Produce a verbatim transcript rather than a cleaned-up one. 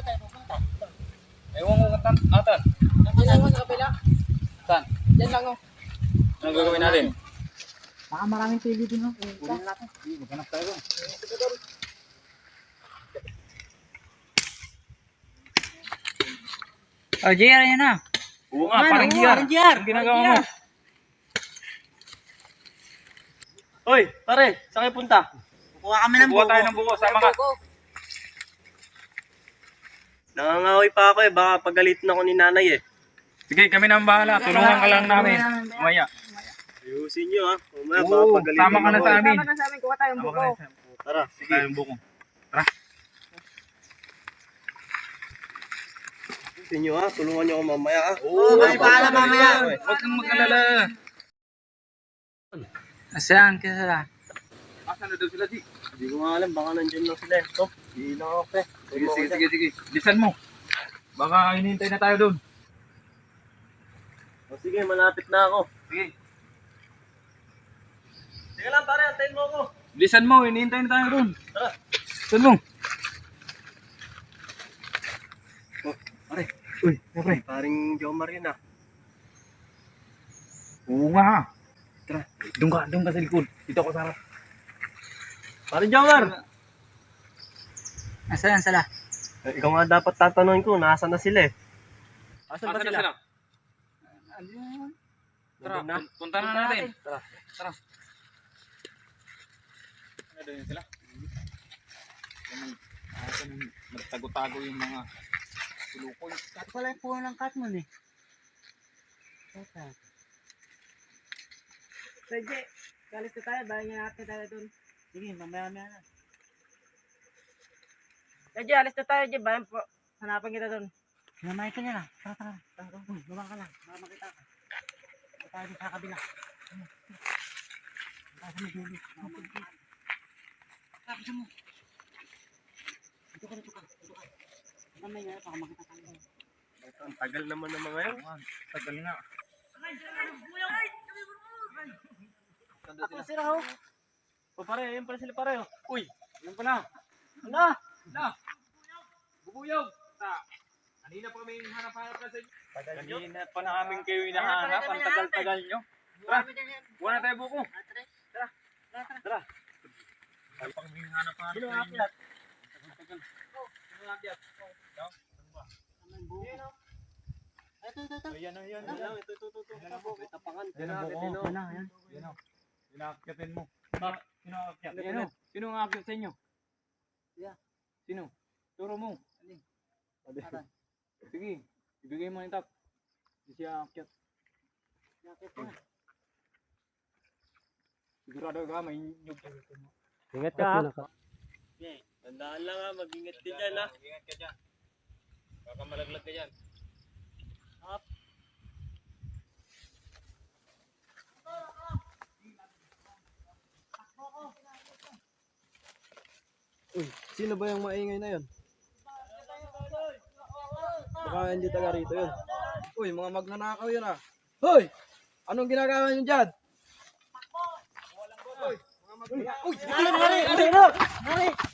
ba tayo pupunta? Ewan ko kung tan- atan. Nandiyan lang sa kabila. Saan? Diyan lang oh. Anong gagawin natin? Baka maraming pili din oh. Kunin natin. Maghanap tayo doon. Oh, J R, yan na. Oo nga, Man, parang oo, G R. parang G R. Ang ginagawa mo. Hoy, pare, saan kayo punta? Kukuha kami ng Kukuha buko. tayo ng buko, sama ka. Nangangahoy pa ako eh, baka pagalitin ako ni nanay eh. Sige, kami na ang bahala. Tulungan ka lang namin. Mamaya. Ayusin nyo ha. Umaya, baka Oo, pagalitin tama ka na ako sa eh. amin. Tama na sa amin, kuha tayong Tama buko. ka na sa amin. Tara, Sige tayong buko. Tara. ayusin nyo ha. Tulungan nyo ako mamaya ha. Oo, may bahala mamaya. Huwag kang mag-alala. Asan ka sila? Asan na daw sila, Di? Hindi ko nga alam, baka nandyan lang sila eh. Ito, hindi lang ako eh. Sige, sige, sige, sige. Bilisan mo. Baka hinihintay na tayo doon. O sige, malapit na ako. Sige. Sige lang pare, antayin mo ako. Bilisan mo, hinihintay na tayo doon. Tara. Bilisan mo. Oh, pare. Uy, pare. Paring Jomar yun ah. Oo nga. Tara, doon ka, doon ka sa likod. Dito ako sa harap. Paring Jomar! Asan sila? Eh, ikaw nga dapat tatanungin ko, nasa na sila eh. Asan ba Asan na sila? sila? Tara, Nandun na? pun- punta na natin. Tara, tara. Ano doon yun sila? Asan yung nagtago-tago yung mga tulukoy. Kat pala yung puno ng katmon eh. Tata. Pwede, kalis na tayo, bayan niya natin tayo dun. Sige, mamaya-maya na. Pwede, alis na tayo, Jay, bayan po. Hanapan kita dun. Sinamay ka niya na. Tara, tara. Tara, uy, baba ka lang. Baka makita ka. Tara tayo dun sa kabila. Ano? Tara sa may dulo. Tara, bisa mo. Dito ka, dito ka. Dito ka. Mamaya nga, baka makita tayo. Ang tagal naman ng mga yun. Tagal nga. Ako sila ho. O pare, ayun pala sila pare. oh. Uy, yan pala. Ano? Na. Bubuyog. Ta. Kanina pa kami hanap-hanap na sa inyo. Kanina pa namin kayo hinahanap. Ang tagal-tagal nyo. Tara, buwan na tayo buko. Tara. Tara. Tara. Tagal pa kami hanap-hanap Sino sa ang inyo. akyat? Tagal. Sino ang akyat? Ikaw? Ano ba? Ito, ito, ito. Ayan, ayan, Ayan, ayan. ito, ito, ito, ito. May tapangan. Yan ang buko. Ayan, Ano, yan. Yan o. Inaakyatin mo. Ba, sino ang akyat? Ano? Sino? Sino ang akyat sa inyo? Yeah. Sino? Turo mo. Tara. Sige, ibigay mo yung tap. Hindi siya akyat. Yakit na. Sigurado ka, may nyug. Ingat ka ha. Tandaan lang ha, mag-ingat ka dyan ha. Ingat ka dyan. Baka malaglag ka dyan. Uy, sino ba yung maingay na yun? Baka hindi taga rito yun. Uy, mga magnanakaw yun ah. Hoy! Anong ginagawa nyo dyan? Uy, mga magnanakaw. Uy! Nari, nari, nari, nari.